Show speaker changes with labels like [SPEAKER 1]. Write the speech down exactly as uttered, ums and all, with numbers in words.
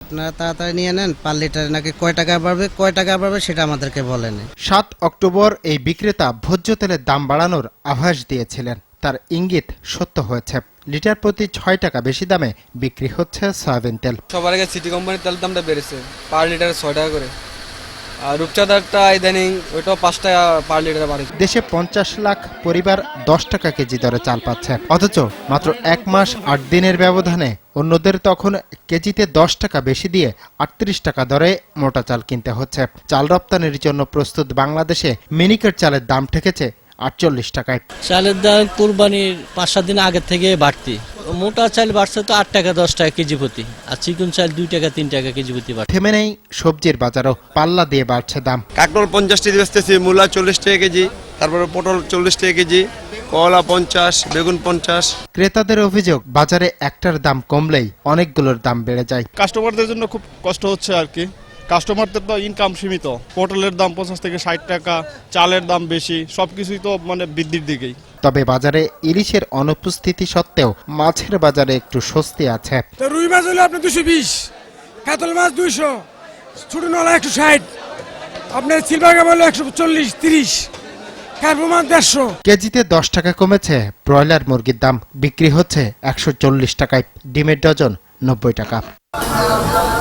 [SPEAKER 1] আপনারা তাড়াতাড়ি নিয়ে নেন, পার লিটারে নাকি কয় টাকা বাড়বে কয় টাকা বাড়বে সেটা আমাদেরকে বলেন।
[SPEAKER 2] সাত অক্টোবর এই বিক্রেতা ভোজ্য তেলের দাম বাড়ানোর আভাস দিয়েছিলেন, তার ইঙ্গিত সত্য হয়েছে। লিটার প্রতি ছয় টাকা বেশি দামে বিক্রি হচ্ছে সয়াবিন তেল।
[SPEAKER 3] সবার আগে সিটি কোম্পানির তেলের দামটা বেড়েছে পার লিটারে ছয় টাকা করে, আর রূপচাঁদারটা ইদানিং ওইটাও পাঁচ টাকা পার লিটারে বাড়ে।
[SPEAKER 2] দেশে পঞ্চাশ লাখ পরিবার দশ টাকা কেজি দরে চাল পাচ্ছে, অথচ মাত্র এক মাস আট দিনের ব্যবধানে অন্যদের তখন কেজিতে দশ টাকা বেশি দিয়ে আটত্রিশ টাকা দরে মোটা চাল কিনতে হচ্ছে। চাল রপ্তানির জন্য প্রস্তুত বাংলাদেশে মিনিকেট চালের দাম ঠেকেছে আটচল্লিশ টাকায়।
[SPEAKER 4] চালের দাম কুরবানির পাঁচ সাত দিন আগের থেকে বাড়তি। মোটা চাল বাড়ছে তো আট টাকা দশ টাকা কেজি প্রতি, আর চিকন চাল দুই টাকা তিন টাকা কেজি প্রতি বাড়ছে।
[SPEAKER 2] থেমে নেই সবজির বাজারও, পাল্লা দিয়ে বাড়ছে দাম।
[SPEAKER 5] কাঁকরোল পঞ্চাশ টাকা বেচতেছি, মূলা চল্লিশ টাকা কেজি, তারপরে পটল চল্লিশ টাকা কেজি, কলা পঞ্চাশ, বেগুন পঞ্চাশ।
[SPEAKER 2] ক্রেতাদের অভিযোগ, বাজারে একটার দাম কমলেই অনেকগুলোর দাম বেড়ে যায়।
[SPEAKER 6] কাস্টমারদের জন্য খুব কষ্ট হচ্ছে আর কি। কাস্টমারদের তো ইনকাম সীমিত, পটলের দাম পঞ্চাশ থেকে ষাট টাকা, চালের দাম বেশি, সবকিছুই তো মানে বৃদ্ধির দিকেই।
[SPEAKER 2] তবে বাজারে ইলিশের অনুপস্থিতি সত্ত্বেও মাছের বাজারে একটু স্বস্তি আছে।
[SPEAKER 7] রুই মাছ হলো আপনার দুশো বিশ, কাতল মাছ দুইশো, ছোট নলা একশো ষাট, আপনার সিলভার কাপ হলো একশো চল্লিশ তিরিশ, কার্পো মাছ দেড়শো।
[SPEAKER 2] কেজিতে দশ টাকা কমেছে ব্রয়লার মুরগির দাম, বিক্রি হচ্ছে একশো চল্লিশ টাকায়। ডিমের ডজন নব্বই টাকা।